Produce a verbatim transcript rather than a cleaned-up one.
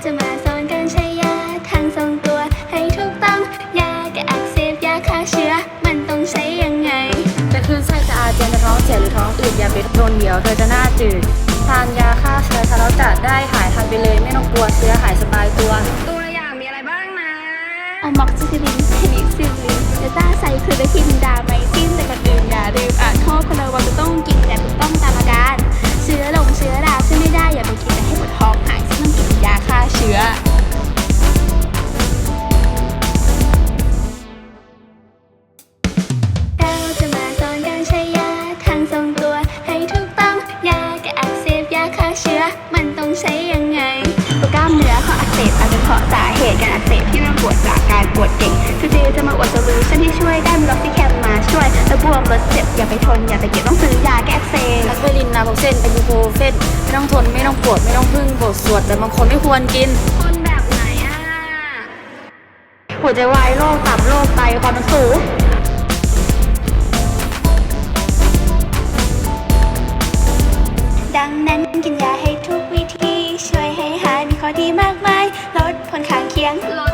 จะมาสอนการใช้ยาทางทรงตัวให้ถูกต้องยาแก้อักเสบยาฆ่าเชื้อมันต้องใช้ยังไงจะคลื่นไส้จะอาเจียนจะท้องเสียหรือท้องอืดอย่าไปโดนเดี๋ยวเธอจะหน้าจืดทานยาฆ่าเชื้อทาแล้วจะได้หายทันไปเลยไม่ต้องกลัวเชื้อหายสบายตัวตัวอย่างมีอะไรบ้างนะอะม็อกซิซิลินเพนิซิลลินเดต้าไซคลูเดคินดาไมซินแต่ก่อนอื่นอย่าลืมอ่านข้อคนระวังจะต้องกินแต่ถูกต้องตามอาการเชื้อลงเชื้อราช่วยไม่ได้อย่าไปกินแต่ให้ปวดท้องหายซึ่งต้องกินยาฆ่าเชื้อเราจะมาสอนการใช้ยาทางทรงตัวให้ถูกต้องยาแก้อักเสบยาฆ่าเชื้อมันต้องใช้ยังไงตัวกล้ามเนื้อข้ออักเสบอาจจะเพราะสาเหตุการอักเสบที่มันปวดจากการปวดเก่งจูเจจะมาอวดโซลูชันที่ช่วยได้มีล็อกซิแคมมาช่วยและบวมลดเจ็บอย่าไปทนอย่าไปเก็บต้องซื้อยาแก้อักเสบแอสไพรินนาโพเซนไอบูโพเฟนไม่ต้องทนไม่ต้องปวดไม่ต้องพึ่งบทสวดแต่บางคนไม่ควรกินคนแบบไหนอ่ะหัวใจวายโรคตับโรคไตความดันสูงดังนั้นกินยาให้ทุกวิธีช่วยให้หายมีข้อดีมากมายลดผลข้างเคียงลด